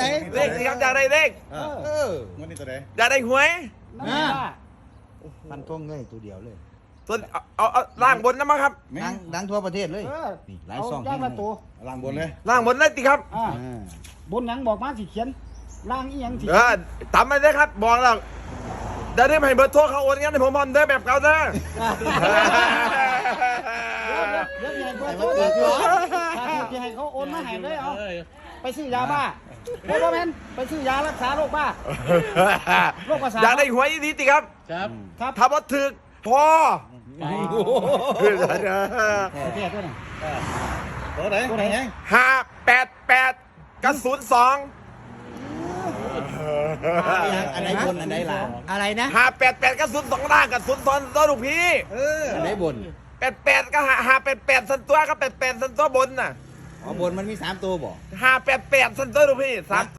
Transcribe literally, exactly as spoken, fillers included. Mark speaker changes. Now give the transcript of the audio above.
Speaker 1: เลขสิครับอยากได้เลข
Speaker 2: เออ
Speaker 3: งวดนี้ตัวไหน
Speaker 1: อยากได้หวย
Speaker 4: นั่นแหละว่า
Speaker 2: มันท่องเลยตัวเดียวเลย
Speaker 1: ส่วนเอาเอาเอาล่างบนนะมั้งครับ
Speaker 2: ดังดังทั่วประเทศเลย
Speaker 4: เออ
Speaker 2: นี่หลาย
Speaker 4: เอา
Speaker 2: ซอง
Speaker 4: ย่างละตัว
Speaker 3: ล่างบนเลย
Speaker 1: ล่างบนเลยติครับ
Speaker 4: อ่า
Speaker 2: อ่า
Speaker 4: บนหยังบอกมาสิเขียนล่างอีหยังสิ
Speaker 1: เออตามมาเลยครับบอกแล้วเดี๋ยวนี้ให้เบอร์โทรเขาโอนงั้นให้ผมพร้อมเด้อแบบเก่าเด้อ
Speaker 4: เดี๋ยวเดี๋ยวเดี๋ยวเดี๋ยวเดี๋ยวถ้าถูกจะให้เขาโอนมาให้เลยเอาไปซื้อยาบ้าโอ้โหแมนไปซื้อยารักษาโรคบ้า โรคประสาท
Speaker 1: อยากได้หวยดีติครับ
Speaker 5: ครับ
Speaker 4: ครับ
Speaker 1: ถ้าบ่ถึกพอ
Speaker 4: โอเคตัวนี้
Speaker 3: ตัวไหนตัวไหนยัง
Speaker 1: ห้าแปดแปดกับศูนย์สอง
Speaker 2: อันไหนบนอันไหนล่างอะไรนะ
Speaker 1: ห้าแปดแปดกับศูนย์สองล่างกับศูนย์สองตัวลูกพี่
Speaker 2: เอออันไหนบน
Speaker 1: แปดแปดก็หาหาแปดแปดสันตัวก็แปดแปดสันตัวบนน่ะ
Speaker 2: อ๋อบนมันมีสามตัวบ่
Speaker 1: หาแปดแปดสันตัวลูกพี่สาม